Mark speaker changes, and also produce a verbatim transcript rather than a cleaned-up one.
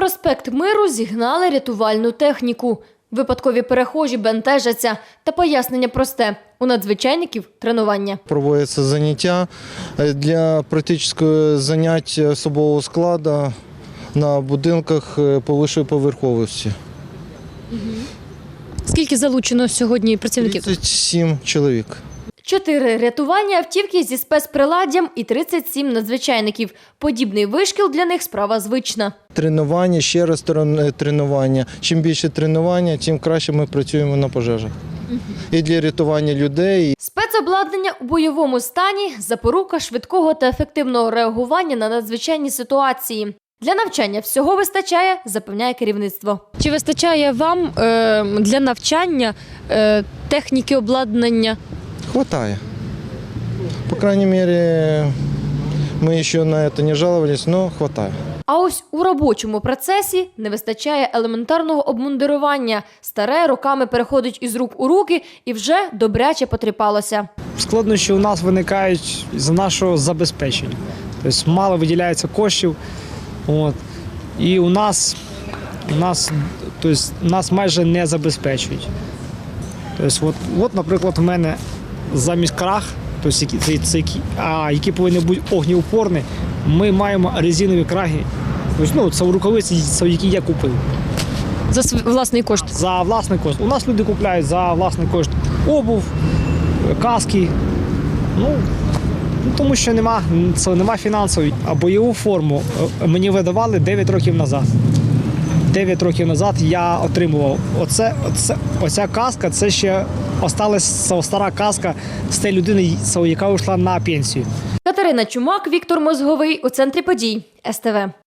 Speaker 1: проспект Миру зігнали рятувальну техніку. Випадкові перехожі бентежаться. Та пояснення просте – у надзвичайників – тренування.
Speaker 2: Проводяться заняття для практичного заняття особового складу на будинках повищої поверховості.
Speaker 3: Скільки залучено сьогодні працівників?
Speaker 2: тридцять сім чоловік.
Speaker 1: Чотири рятувальні автівки зі спецприладдям і тридцять сім надзвичайників. Подібний вишкіл для них – справа звична.
Speaker 2: Тренування, ще раз тренування. Чим більше тренування, тим краще ми працюємо на пожежах. І для рятування людей.
Speaker 1: Спецобладнання у бойовому стані – запорука швидкого та ефективного реагування на надзвичайні ситуації. Для навчання всього вистачає, запевняє керівництво.
Speaker 3: Чи вистачає вам е, для навчання е, техніки, обладнання?
Speaker 2: Хватає. По крайней мере, мы еще на это не жаловались, но хватает.
Speaker 1: А ось у робочому процесі не вистачає елементарного обмундирування. Старе роками переходить із рук у руки і вже добряче потріпалося.
Speaker 4: Складнощі у нас виникають з нашого забезпечення. Тобто мало виділяється коштів. От. І у нас, у нас, тобто, нас майже не забезпечують. Тобто, от, от, наприклад, у мене замість крах, тобто, які, це, це, а, які повинні бути огнеупорні, ми маємо резинові краги. Тобто, ну, це рукавиці, це, які я купив.
Speaker 3: За свій власний кошт?
Speaker 4: За власний кошт. У нас люди купляють за власний кошт обув, каски. Ну, Ну, тому що нема, це нема фінансової. А бойову форму мені видавали дев'ять років назад. дев'ять років назад я отримував. Оце, оце, оця каска, це ще осталась стара каска з тієї людини, яка вийшла на пенсію.
Speaker 1: Катерина Чумак, Віктор Мозговий. У центрі подій. ес те ве.